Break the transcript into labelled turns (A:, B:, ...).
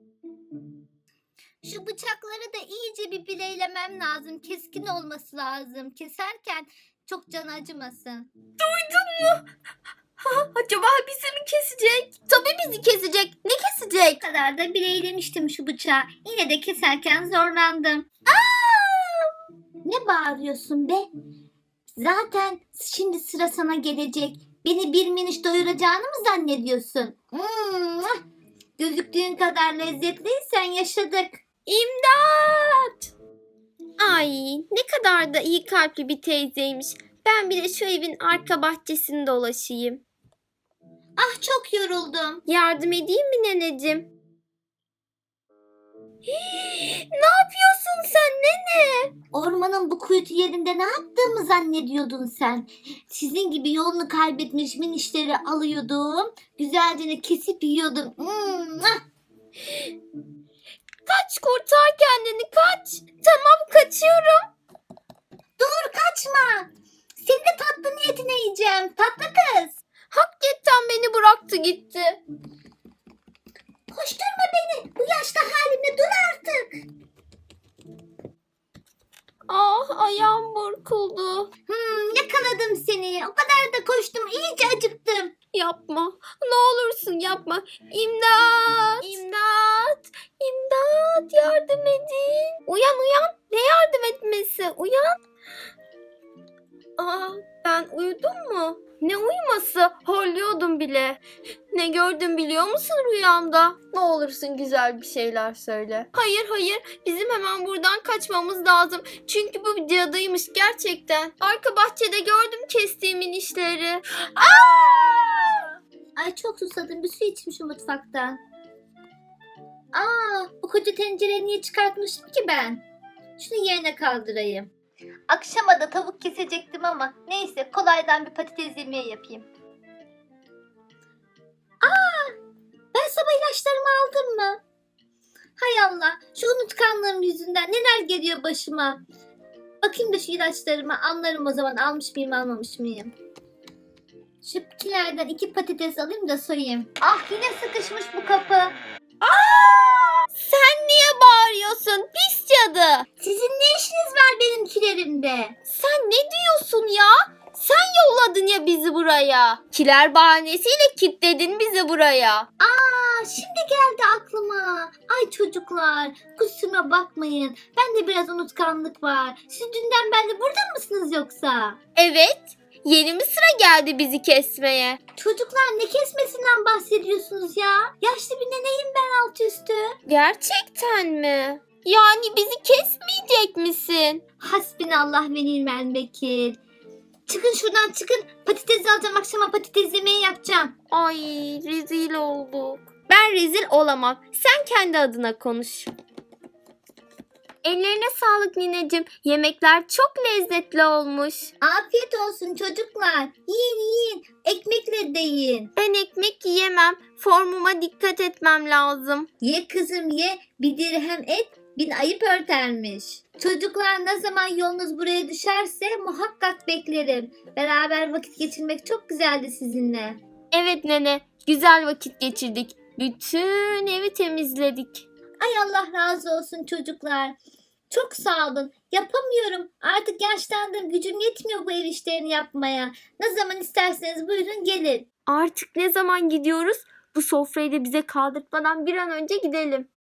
A: Şu bıçakları da iyice bir bileylemem lazım. Keskin olması lazım. Keserken çok can acımasın.
B: Acaba bizi mi kesecek? Tabii bizi kesecek. Ne kesecek?
A: Bu kadar da bileylemiştim şu bıçağı. Yine de keserken zorlandım. Ne bağırıyorsun be? Zaten şimdi sıra sana gelecek. Beni bir miniş doyuracağını mı zannediyorsun? Gözüktüğün kadar lezzetliysen yaşadık.
B: İmdat! Ay ne kadar da iyi kalpli bir teyzeymiş. Ben bir de şu evin arka bahçesini dolaşayım.
A: Ah çok yoruldum.
B: Yardım edeyim mi neneciğim? Ne yapıyorsun sen nene?
A: Ormanın bu kuytu yerinde ne yaptığımı zannediyordun sen? Sizin gibi yolunu kaybetmiş minişleri alıyordum. Güzelce kesip yiyordum.
B: Kaç kurtar kendini kaç. Tamam kaçıyorum.
A: Dur kaçma. Seni de tatlı niyetine yiyeceğim. Tatlı kız.
B: Hakikaten beni bıraktı gitti.
A: Koşturma beni. Bu yaşta halimle dur artık.
B: Ah ayağım burkuldu.
A: Yakaladım seni. O kadar da koştum. İyice acıktım.
B: Yapma. Ne olursun yapma. İmdat. İmdat. İmdat. Yardım edin. Uyan uyan. Ne yardım etmesi? Uyan. Aa, ben uyudum mu? Ne uyuması? Horluyordum bile. Ne gördüm biliyor musun rüyamda? Ne olursun güzel bir şeyler söyle. Hayır hayır. Bizim hemen buradan kaçmamız lazım. Çünkü bu cadıymış gerçekten. Arka bahçede gördüm kestiğimin işleri.
A: Ay çok susadım. Bir su içeyim şu mutfaktan. Bu koca tencereyi niye çıkartmışım ki ben? Şunu yerine kaldırayım. Akşama da tavuk kesecektim ama neyse kolaydan bir patates yemeği yapayım. Ben sabah ilaçlarımı aldım mı? Hay Allah, şu unutkanlığım yüzünden neler geliyor başıma. Bakayım da şu ilaçlarımı anlarım o zaman almış mıyım almamış mıyım. Şu kilerden 2 patates alayım da soyayım. Ah yine sıkışmış bu kapı.
B: Sen niye bağırıyorsun pis cadı?
A: Sizin ne işiniz var benim kilerimde?
B: Sen ne diyorsun ya? Sen yolladın ya bizi buraya. Kiler bahanesiyle kilitledin bizi buraya.
A: Şimdi geldi aklıma. Ay çocuklar kusuruma bakmayın. Bende biraz unutkanlık var. Siz dünden beri burada mısınız yoksa?
B: Evet. Yeni mi sıra geldi bizi kesmeye?
A: Çocuklar ne kesmesinden bahsediyorsunuz ya? Yaşlı bir neneyim ben alt üstü.
B: Gerçekten mi? Yani bizi kesmeyecek misin?
A: Hasbinallah ve ni'mel vekil. Çıkın şuradan çıkın. Patates alacağım akşama patates yemeği yapacağım.
B: Ay rezil olduk. Ben rezil olamam. Sen kendi adına konuş. Ellerine sağlık nineciğim. Yemekler çok lezzetli olmuş.
A: Afiyet olsun çocuklar. Yiyin yiyin. Ekmekle de yiyin.
B: Ben ekmek yiyemem. Formuma dikkat etmem lazım.
A: Ye kızım ye. Bir dirhem et bin ayıp örtermiş. Çocuklar ne zaman yolunuz buraya düşerse muhakkak beklerim. Beraber vakit geçirmek çok güzeldi sizinle.
B: Evet nene, güzel vakit geçirdik. Bütün evi temizledik.
A: Ay Allah razı olsun çocuklar. Çok sağ olun. Yapamıyorum. Artık yaşlandım. Gücüm yetmiyor bu ev işlerini yapmaya. Ne zaman isterseniz buyurun gelin.
B: Artık ne zaman gidiyoruz? Bu sofrayı da bize kaldırtmadan bir an önce gidelim.